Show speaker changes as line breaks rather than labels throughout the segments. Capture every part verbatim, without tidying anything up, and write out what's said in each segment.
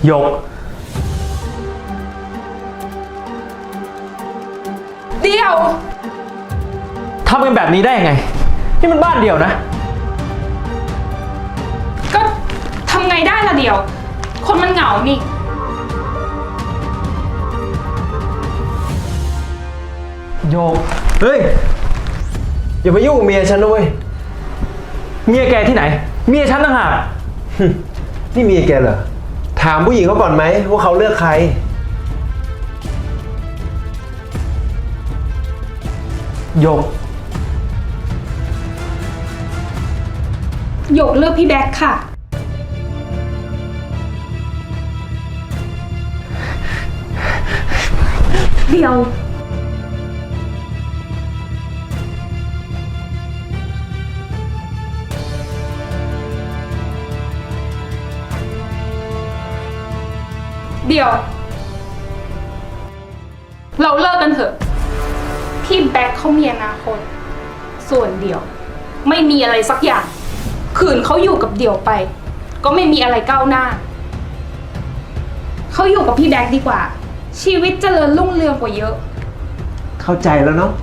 หยก
เดี๋ยว
ทำกันแบบนี้ได้ยังไงนี่มันบ้านเดียวนะ
ก็ทำไงได้ล่ะเดี๋ยวคนมันเหงานี่
โยก
เฮ้ยอย่าไปยุ่งกับเมียฉันนะเว้ย
เมียแกที่ไหนเมียฉันต่างหาก
นี่เมียแกเหรอถามผู้หญิงเขาก่อนไหมว่าเขาเลือกใคร
โยก
หยกเลือกพี่แบ็คค่ะเดี๋ยวเดี๋ยวเราเลิกกันเถอะพี่แบ็คเขามีอนาคตส่วนเดี่ยวไม่มีอะไรสักอย่างขืนเขาอยู่กับเดี่ยวไปก็ไม่มีอะไรก้าวหน้าเขาอยู่กับพี่แบ็คดีกว่าชีวิตเจริญรุ่งเรืองกว่าเยอะ
เข้าใจแล้วเนาะ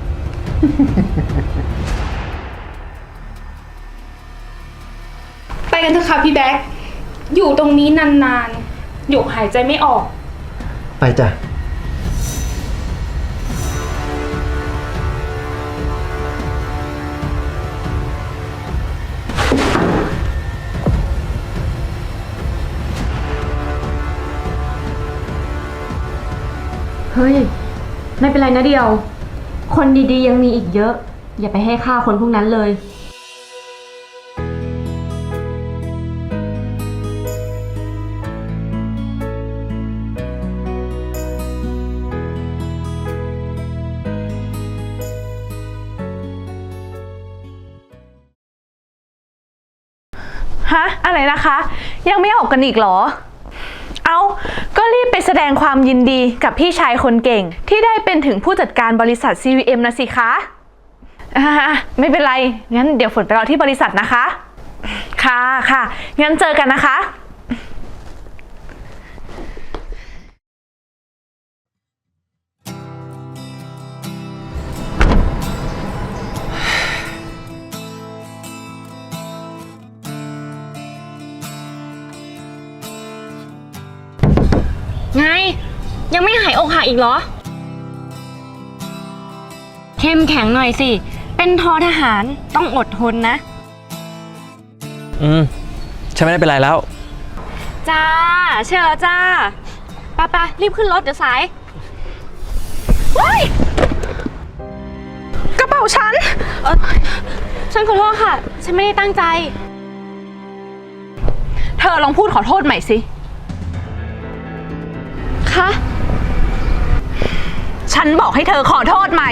ไปกันเถอะค่ะพี่แบ็คอยู่ตรงนี้นานๆหยกหายใจไม่ออก
ไปจ้ะ
เฮ้ยไม่เป็นไรนะเดียวคนดีๆยังมีอีกเยอะอย่าไปให้ค่าคนพวกนั้นเลย
ฮะอะไรนะคะยังไม่ออกกันอีกเหรอเอาก็รีบไปแสดงความยินดีกับพี่ชายคนเก่งที่ได้เป็นถึงผู้จัดการบริษัท ซี วี เอ็ม นะสิคะอ่าไม่เป็นไรงั้นเดี๋ยวฝนไปรอที่บริษัทนะคะค่ะค่ะงั้นเจอกันนะคะ
ไงยังไม่หายอกหักอีกเหรอเข้มแข็งหน่อยสิเป็นทอทหารต้องอดทนนะ
อืมฉันไม่ได้เป็นไรแล้ว
จ้าเชื่อแล้วจ้าไปไปรีบขึ้นรถเดี๋ยวสาย
ว้ายกระเป๋าฉัน
เออฉันขอโทษค่ะฉันไม่ได้ตั้งใจ
เธอลองพูดขอโทษใหม่สิ
คะ
ฉันบอกให้เธอขอโทษใหม่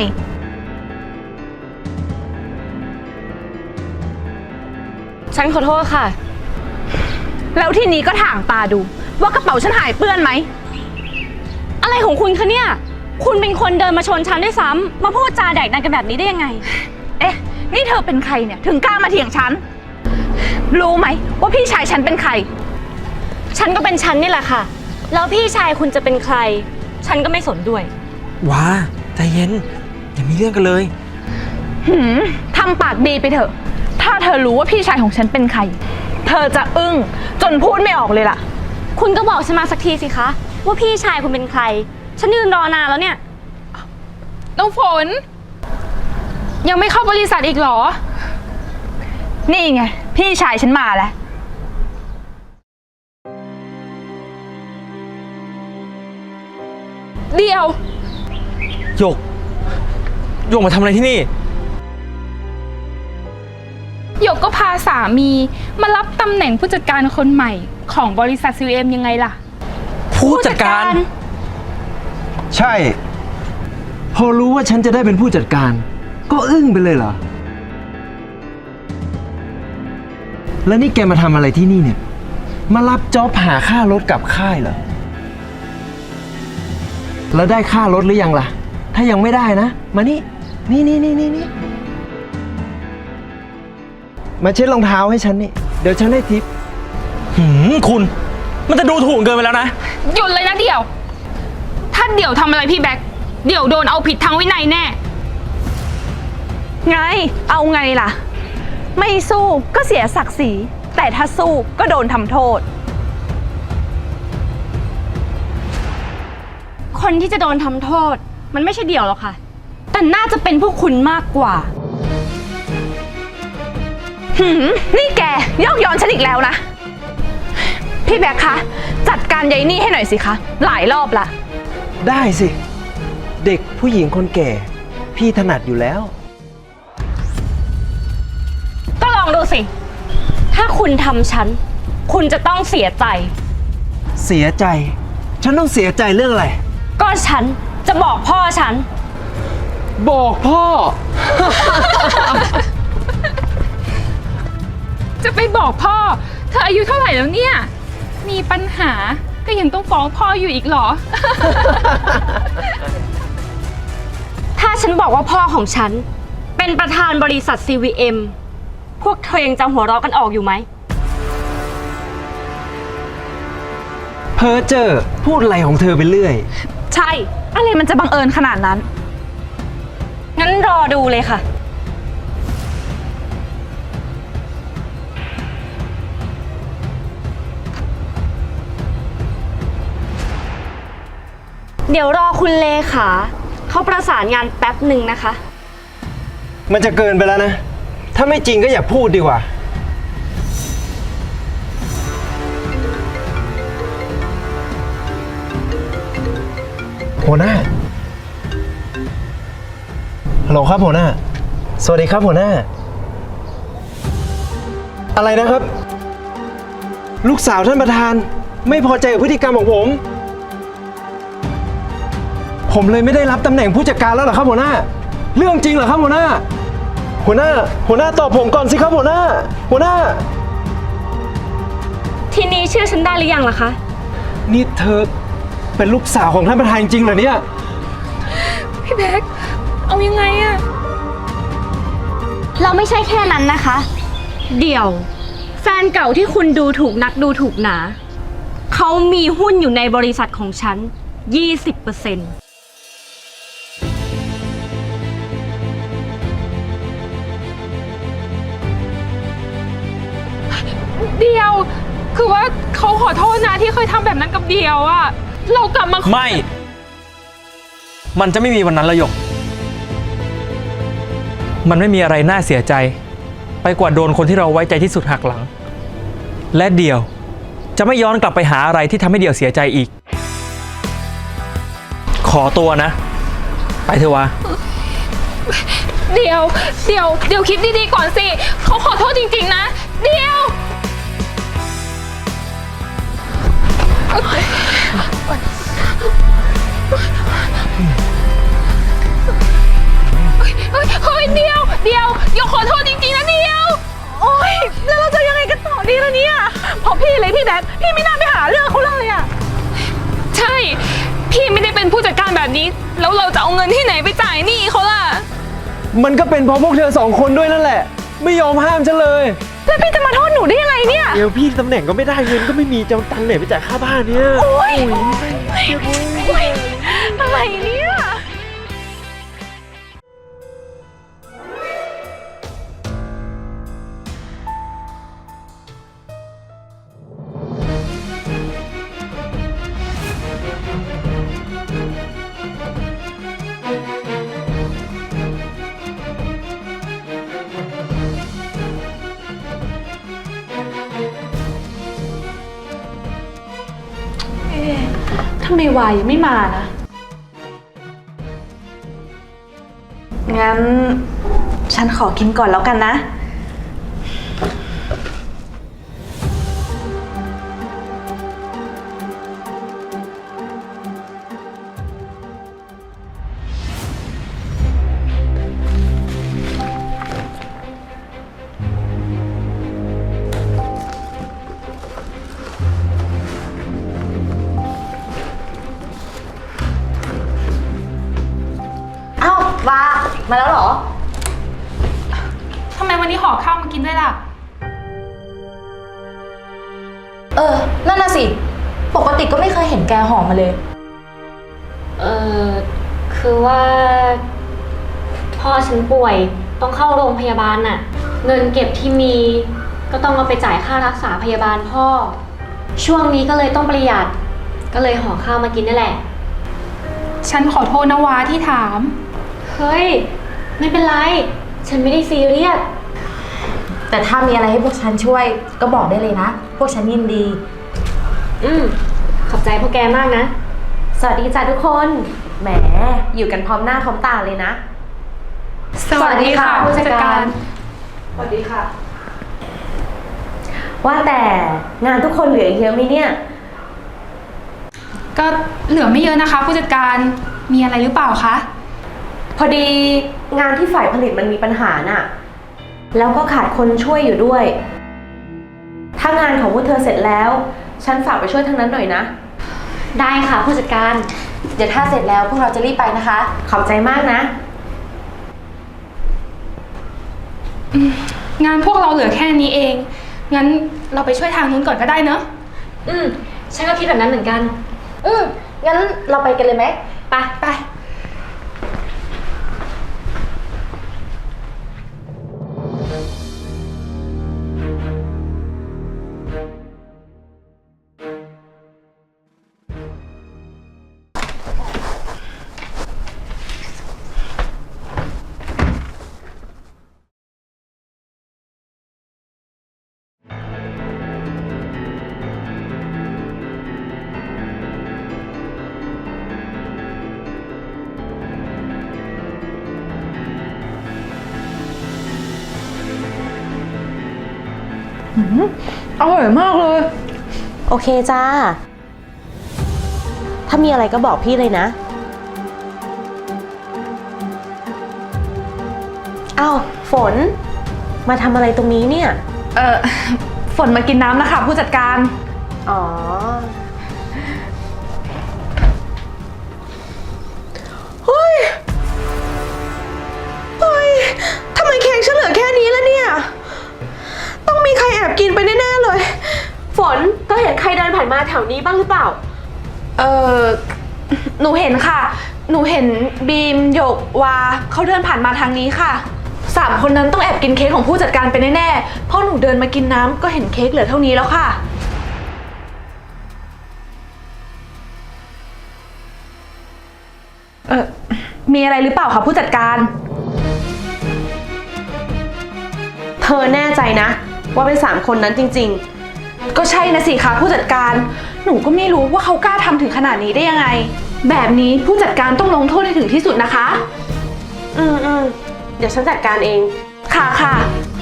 ฉันขอโทษค่ะ
แล้วทีนี้ก็ถางตาดูว่ากระเป๋าฉันหายเปื้อนไหม
อะไรของคุณคะเนี่ยคุณเป็นคนเดินมาชนฉันด้วยซ้ำมาพูดจาแดกดันกันแบบนี้ได้ยังไง
เอ๊ะนี่เธอเป็นใครเนี่ยถึงกล้ามาเถียงฉันรู้ไหมว่าพี่ชายฉันเป็นใคร
ฉันก็เป็นฉันนี่แหละค่ะแล้วพี่ชายคุณจะเป็นใครฉันก็ไม่สนด้วย
ว้าใจเย็นอย่ามีเรื่องกันเลย
หืมทำปากดีไปเถอะถ้าเธอรู้ว่าพี่ชายของฉันเป็นใครเธอจะอึ้งจนพูดไม่ออกเลยล่ะ
คุณก็บอกฉันมาสักทีสิคะว่าพี่ชายคุณเป็นใครฉันยืนรอนานแล้วเนี่ย
น้องฝนยังไม่เข้าบริษัทอีกเหรอ
นี่ไงพี่ชายฉันมาแล้ว
เดียว
หยกหยกมาทำอะไรที่นี่
หยกก็พาสามีมารับตำแหน่งผู้จัดการคนใหม่ของบริษัท ซี วี เอ็ม ยังไงล่ะ
ผู้จัดการ
ใช่พอรู้ว่าฉันจะได้เป็นผู้จัดการก็อึ้งไปเลยเหรอแล้วนี่แกมาทำอะไรที่นี่เนี่ยมารับจ็อบหาค่ารถกลับค่ายเหรอแล้วได้ค่ารถหรือยังล่ะถ้ายังไม่ได้นะมานี่นี่นี่นี่นี่นี่มาเช็ดรองเท้าให้ฉันนี่เดี๋ยวฉันให้ทิป
หืมคุณมันจะดูถูกเกินไปแล้วนะ
หยุดเลยนะเดี่ยว ถ้าเดี่ยวทำอะไรพี่แบ็คเดี่ยวโดนเอาผิดทางวินัยแน่
ไง เอาไงล่ะ ไม่สู้ก็เสียศักดิ์ศรี แต่ถ้าสู้ก็โดนทำโทษ
คนที่จะโดนทำโทษ มันไม่ใช่เดี่ยวหรอกค่ะ แต่น่าจะเป็นพวกคุณมากกว่า
หืม นี่แกยอกย้อนฉันอีกแล้วนะ พี่แบ็คคะ จัดการยายนี่ให้หน่อยสิคะ หลายรอบละ
ได้สิ เด็กผู้หญิงคนแก่ พี่ถนัดอยู่แล้ว
ก็ลองดูสิ ถ้าคุณทำฉัน คุณจะต้องเสียใจ
เสียใจ ฉันต้องเสียใจเรื่องอะไร
ก็ฉันจะบอกพ่อฉัน
บอกพ่อ
จะไปบอกพ่อ เธออายุเท่าไหร่แล้วเนี่ย มีปัญหาก็ยังต้องฟ้องพ่ออยู่อีกเหรอ
ถ้าฉันบอกว่าพ่อของฉัน เป็นประธานบริษัท ซี วี เอ็ม พวกเธอยังจำหัวเราะกันออกอยู่ไหม
เพ้อเจ้อพูดอะไรของเธอไปเรื่อย
ใช่ อะไรมันจะบังเอิญขนาดนั้น
งั้นรอดูเลยค่ะ เดี๋ยวรอคุณเลขาเขาประสานงานแป๊บหนึ่งนะคะ
มันจะเกินไปแล้วนะ ถ้าไม่จริงก็อย่าพูดดีกว่า หัวหน้า ฮัลโหลครับหัวหน้า สวัสดีครับหัวหน้า อะไรนะครับ ลูกสาวท่านประธานไม่พอใจกับพฤติกรรมของผม ผมเลยไม่ได้รับตำแหน่งผู้จัดการแล้วเหรอครับหัวหน้า เรื่องจริงเหรอครับหัวหน้า หัวหน้า หัวหน้าตอบผมก่อนสิครับหัวหน้า หัวหน้า
ทีนี้เชื่อฉันได้หรือยังล่ะคะ
นี่เธอเป็นลูกสาวของท่านประธานจริงเหรอเนี่ย
พี่แบ็คเอายังไงอะ
เราไม่ใช่แค่นั้นนะคะ เดี๋ยว แฟนเก่าที่คุณดูถูกนักดูถูกหนา เขามีหุ้นอยู่ในบริษัทของฉัน ยี่สิบเปอร์เซ็นต์
เดียว คือว่าเขาขอโทษนะที่เคยทำแบบนั้นกับเดียวอะเรากลับมา
ไม่ มันจะไม่มีวันนั้นละหยก มันไม่มีอะไรน่าเสียใจ ไปกว่าโดนคนที่เราไว้ใจที่สุดหักหลัง และเดี่ยวจะไม่ย้อนกลับไปหาอะไรที่ทำให้เดี่ยวเสียใจอีก ขอตัวนะ ไปเถอะวะ
เดียวเดียวเดียวคิดดีๆก่อนสิเขาขอโทษจริงๆนะเดียวเฮ้ยเฮ้ยเดียวเดียวเดี๋ยวขอโทษจริงๆนะเดียว
โอ๊ย แล้วเราจะยังไงกันต่อดีล่ะเนี่ยเพราะพี่เลยพี่แบ็คพี่ไม่น่าไปหาเรื่องเขาเลยอะ
ใช่ พี่ไม่ได้เป็นผู้จัดการแบบนี้ แล้วเราจะเอาเงินที่ไหนไปจ่ายหนี้เขาล่ะ
มันก็เป็นเพราะพวกเธอสองคนด้วยนั่นแหละ ไม่ยอมห้ามฉันเลย
แล้วพี่จะมาโทษหนูได้ยังไงเนี่ย
เดี๋ยวพี่ตำแหน่งก็ไม่ได้เงินก็ไม่มีจะเอาตังค์ไหนไปจ่ายค่าบ้านเนี่ย
โอ๊ยอะไรเนี่ย ทำไมวายยังไม่มานะ งั้น ฉันขอกินก่อนแล้วกันนะ
เอ้า วา มาแล้วเหรอ
ทำไมวันนี้ห่อข้าวมากินด้วยล่ะ
เออ นั่นน่ะสิปกติก็ไม่เคยเห็นแกหอมมาเลย
เออคือว่า พ่อฉันป่วยต้องเข้าโรงพยาบาลน่ะ เงินเก็บที่มีก็ต้องเอาไปจ่ายค่ารักษาพยาบาลพ่อ ช่วงนี้ก็เลยต้องประหยัด ก็เลยห่อข้าวมากินนั่นแหละ
ฉันขอโทษนะวาที่ถาม
เฮ้ย ไม่เป็นไร ฉันไม่ได้ซีเรียส
แต่ถ้ามีอะไรให้พวกฉันช่วยก็บอกได้เลยนะ พวกฉันยินดี
อืมขอบใจพวกแกมากนะ
สวัสดีจ้ะทุกคน แหม อยู่กันพร้อมหน้าพร้อมตาเลยนะ
สวัสดีค่ะผู้จัดการ
สวัสดีค่ะ ว่าแต่งานทุกคนเหลืออีกเยอะไหมเนี่ย
ก็เหลือไม่เยอะนะคะ ผู้จัดการมีอะไรหรือเปล่าคะ
พอดีงานที่ฝ่ายผลิตมันมีปัญหาน่ะ แล้วก็ขาดคนช่วยอยู่ด้วย ถ้างานของพวกเธอเสร็จแล้ว ฉันฝากไปช่วยทางนั้นหน่อยนะ
ได้ค่ะผู้จัดการ
เดี๋ยวถ้าเสร็จแล้วพวกเราจะรีบไปนะคะ
ขอบใจมากนะ
งานพวกเราเหลือแค่นี้เอง งั้นเราไปช่วยทางนู้นก่อนก็ได้เนอะ
อืมฉันก็คิดแบบนั้นเหมือนกัน
อืมงั้นเราไปกันเลยไหม
ไปไป
อร่อยมากเลย โอเคจ้า ถ้ามีอะไรก็บอกพี่เลยนะ อ้าวฝน มาทำอะไรตรงนี้เนี่ย
เออฝนมากินน้ำนะคะผู้จัดการ
อ๋อ เฮ้ย เฮ้ย ทำไมเค้กฉันเหลือแค่นี้แล้วเนี่ย ต้องมีใครแอบกินไปแน่ๆเลย ฝนก็เห็นใครเดินผ่านมาแถวนี้บ้างหรือเปล่า
เออหนูเห็นค่ะ หนูเห็นบีมหยกวาเขาเดินผ่านมาทางนี้ค่ะสามคนนั้นต้องแอบกินเค้กของผู้จัดการไปแน่ๆเพราะหนูเดินมากินน้ำก็เห็นเค้กเหลือเท่านี้แล้วค่ะ เออมีอะไรหรือเปล่าคะผู้จัดการ
เธอแน่ใจนะ ว่าเป็นสามคนนั้นจริง
ก็ใช่นะสิคะผู้จัดการ หนูก็ไม่รู้ว่าเขากล้าทำถึงขนาดนี้ได้ยังไง แบบนี้ผู้จัดการต้องลงโทษให้ถึงที่สุดนะคะ
ๆ อืมอืมเดี๋ยวฉันจัดการเอง
ค่ะค่ะ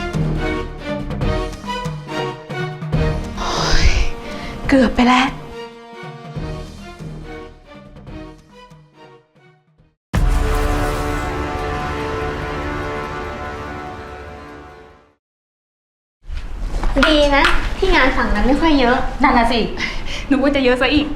เกือบไปแล้ว
ดีนะ ที่งานฝั่งนั้นไม่ค่อยเยอะ
นั่นน่ะสิ
หนูว่าจะเยอะซะอีก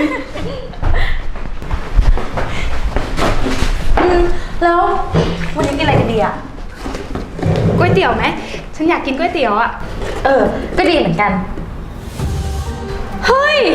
แล้ววันนี้กินอะไรกันดีอะ
ก๋วยเตี๋ยวไหม ฉันอยากกินก๋วยเตี๋ยวอะ
เออ ก็ดีเหมือนกัน
เฮ้ย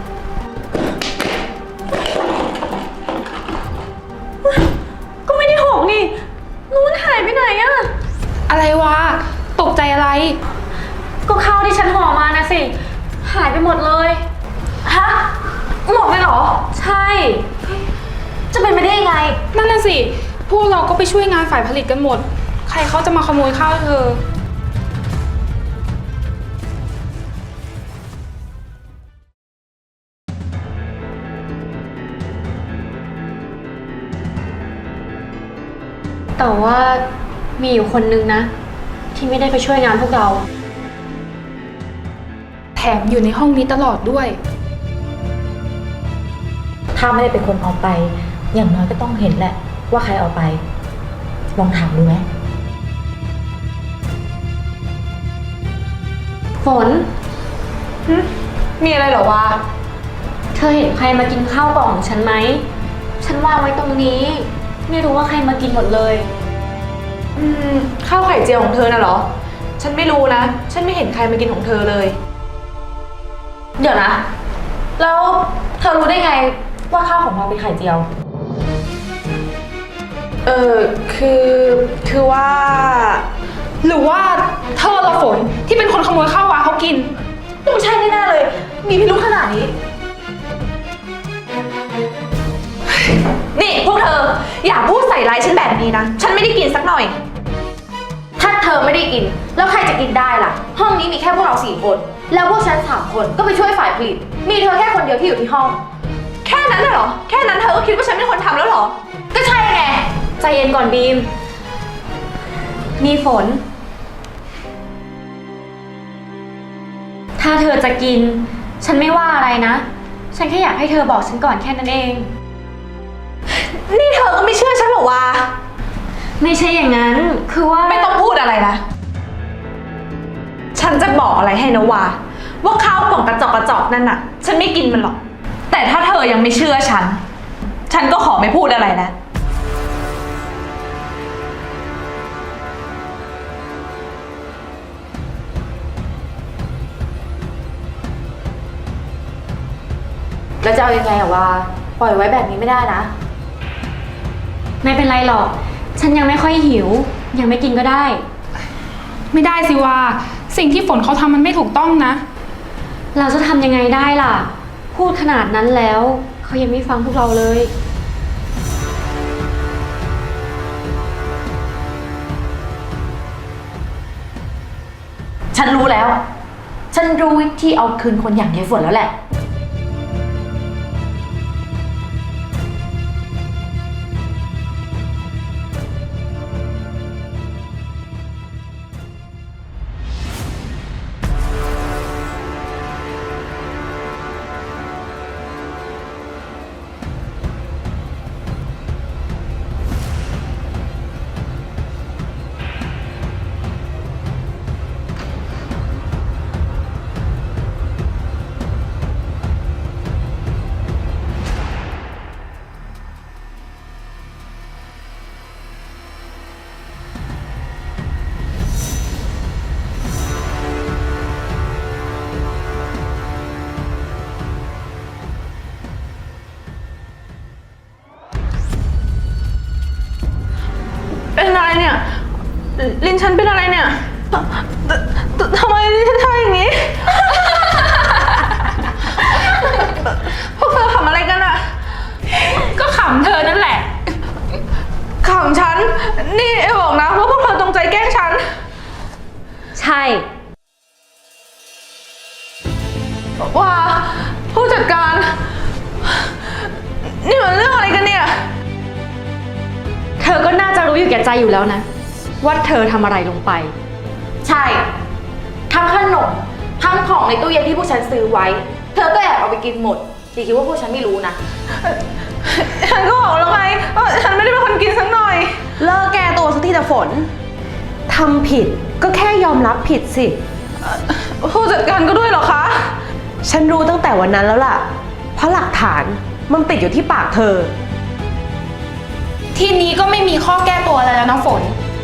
ก็ไม่ได้หกนี่นู้นหายไปไหนอะ
อะไรวะ ตกใจอะไร
ก็ข้าวที่ฉันห่อมานะสิ หายไปหมดเลย ฮะ หมดเลยเหรอ
ใช่
จะเป็นไปได้ยังไง
นั่นน่ะสิ พวกเราก็ไปช่วยงานฝ่ายผลิตกันหมด ใครเขาจะมาขโมยข้าวเธอ
แต่ว่ามีอยู่คนนึงนะ ที่ไม่ได้ไปช่วยงานพวกเรา
แถมอยู่ในห้องนี้ตลอดด้วย
ถ้าไม่ได้เป็นคนเอาไป อย่างน้อยก็ต้องเห็นแหละ ว่าใครเอาไป ลองถามดูไหม
ฝน
มีอะไรเหรอวะ
เธอเห็นใครมากินข้าวกล่องของฉันไหม ฉันวางไว้ตรงนี้ ไม่รู้ว่าใครมากินหมดเลย
อืม ข้าวไข่เจียวของเธอน่ะเหรอ ฉันไม่รู้นะ ฉันไม่เห็นใครมากินของเธอเลย
เดี๋ยวนะแล้วเธอรู้ได้ไงว่าข้าวของเราเป็นไข่เจียว
เออคือคือว่า
หรือว่าเธอละฝนที่เป็นคนขโมยข้าววาเขากิน
ต้องใช่แน่ๆเลย มีพิรุธขนาดนี้ นี่พวกเธอ อย่าพูดใส่ร้ายฉันแบบนี้นะ ฉันไม่ได้กินสักหน่อย
ถ้าเธอไม่ได้กิน แล้วใครจะกินได้ล่ะ ห้องนี้มีแค่พวกเราสี่คน แล้วพวกฉันสามคนก็ไปช่วยฝ่ายผลิต มีเธอแค่คนเดียวที่อยู่ที่ห้อง
แค่นั้นน่ะเหรอ แค่นั้นเธอก็คิดว่าฉันเป็นคนทำแล้วเหรอ
ก็ใช่ไง
ใจเย็นก่อนบีม มีฝน ถ้าเธอจะกิน ฉันไม่ว่าอะไรนะ ฉันแค่อยากให้เธอบอกฉันก่อนแค่นั้นเอง
นี่เธอก็ไม่เชื่อฉันเหรอวะ
ไม่ใช่อย่างนั้น คือว่า
ไม่ต้องพูดอะไรนะ ฉันจะบอกอะไรให้นะวาว่าข้าวกล่องกระจอกกระจอกนั่นน่ะ ฉันไม่กินมันหรอก แต่ถ้าเธอยังไม่เชื่อฉัน ฉันก็ขอไม่พูดอะไรแล้ว
แล้วจะเอายังไงอะวาปล่อยไว้แบบนี้ไม่ได้นะ
ไม่เป็นไรหรอก ฉันยังไม่ค่อยหิว ยังไม่กินก็ได้
ไม่ได้สิว่าสิ่งที่ฝนเขาทำมันไม่ถูกต้องนะ
เราจะทำยังไงได้ล่ะ พูดขนาดนั้นแล้วเขายังไม่ฟังพวกเราเลย
ฉันรู้แล้ว ฉันรู้วิธีเอาคืนคนอย่างยายฝนแล้วแหละ
เป็นอะไรเนี่ย ลิ้นฉันเป็นอะไรเนี่ยททำไมลิ้นฉันทำอย่างนี้ พวกเธอขำอะไรกันอะ
ก็ขำเธอนั่นแหละ
ขำฉัน นี่ไอ้บอกนะว่าพวกเธอจงใจแกล้งฉัน
ใช่
ว่าผู้จัดการ นี่มันเรื่องอะไรกันเนี่ย
เธอก็น่าจะรู้อยู่แก่ใจอยู่แล้วนะ ว่าเธอทำอะไรลงไป
ใช่ ทั้งขนม ทั้งของในตู้เย็นที่พวกฉันซื้อไว้ เธอก็แอบเอาไปกินหมดอย่าคิดว่าพวกฉันไม่รู้นะ
ฉันก็บอกแล้วไงว่าฉันไม่ได้เป็นคนกินสักหน่อย
เลิกแก้ตัวสักทีแต่ฝน ทำผิดก็แค่ยอมรับผิดสิ
ผู้จัดการก็ด้วยเหรอคะ
ฉันรู้ตั้งแต่วันนั้นแล้วล่ะ เพราะหลักฐานมันติดอยู่ที่ปากเธอ
ทีนี้ก็ไม่มีข้อแก้ตัวอะไรแล้วนะฝน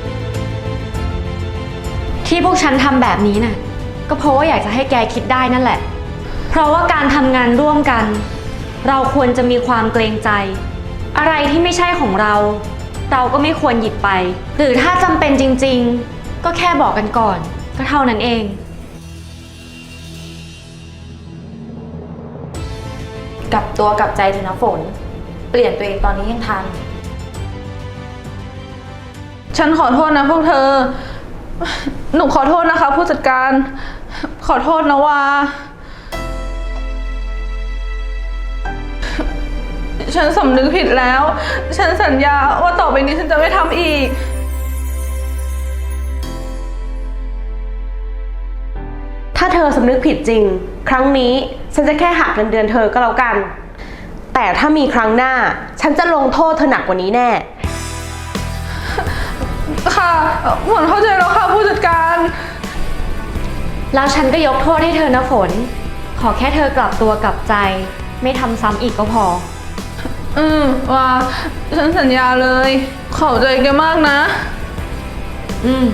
ที่พวกฉันทำแบบนี้น่ะ ก็เพราะว่าอยากจะให้แกคิดได้นั่นแหละ เพราะว่าการทำงานร่วมกัน เราควรจะมีความเกรงใจ อะไรที่ไม่ใช่ของเรา เราก็ไม่ควรหยิบไป หรือถ้าจำเป็นจริงๆ ก็แค่บอกกันก่อน ก็เท่านั้นเอง
กลับตัวกลับใจเถอะนะฝน เปลี่ยนตัวเองตอนนี้ยังทัน
ฉันขอโทษนะพวกเธอ หนูขอโทษนะคะ ผู้จัดการ ขอโทษนะว่า ฉันสำนึกผิดแล้ว ฉันสัญญาว่าต่อไปนี้ฉันจะไม่ทำอีก
ถ้าเธอสำนึกผิดจริง ครั้งนี้ฉันจะแค่หักเงินเดือนเธอก็แล้วกัน แต่ถ้ามีครั้งหน้า ฉันจะลงโทษเธอหนักกว่านี้แน่
ค่ะฝนเข้าใจแล้วค่ะผู้จัดการ
แล้วฉันก็ยกโทษให้เธอนะฝน ขอแค่เธอกลับตัวกลับใจ ไม่ทำซ้ำอีกก็พอ
อืมว่าฉันสัญญาเลย ขอบใจแกมากนะ
อืม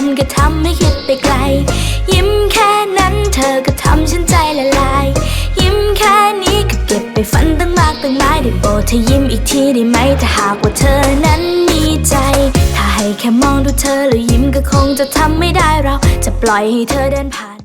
ก็ทำให้คิดไปไกลยิ้มแค่นั้นเธอก็ทำฉันใจละลายยิ้มแค่นี้ก็เก็บไปฝันตั้งมากตั้งหลายได้โปรดเธอยิ้มอีกทีได้ไหมถ้าหากว่าเธอนั้นมีใจถ้าให้แค่มองดูเธอแล้วยิ้มก็คงจะทำไม่ได้เราจะปล่อยให้เธอเดินผ่าน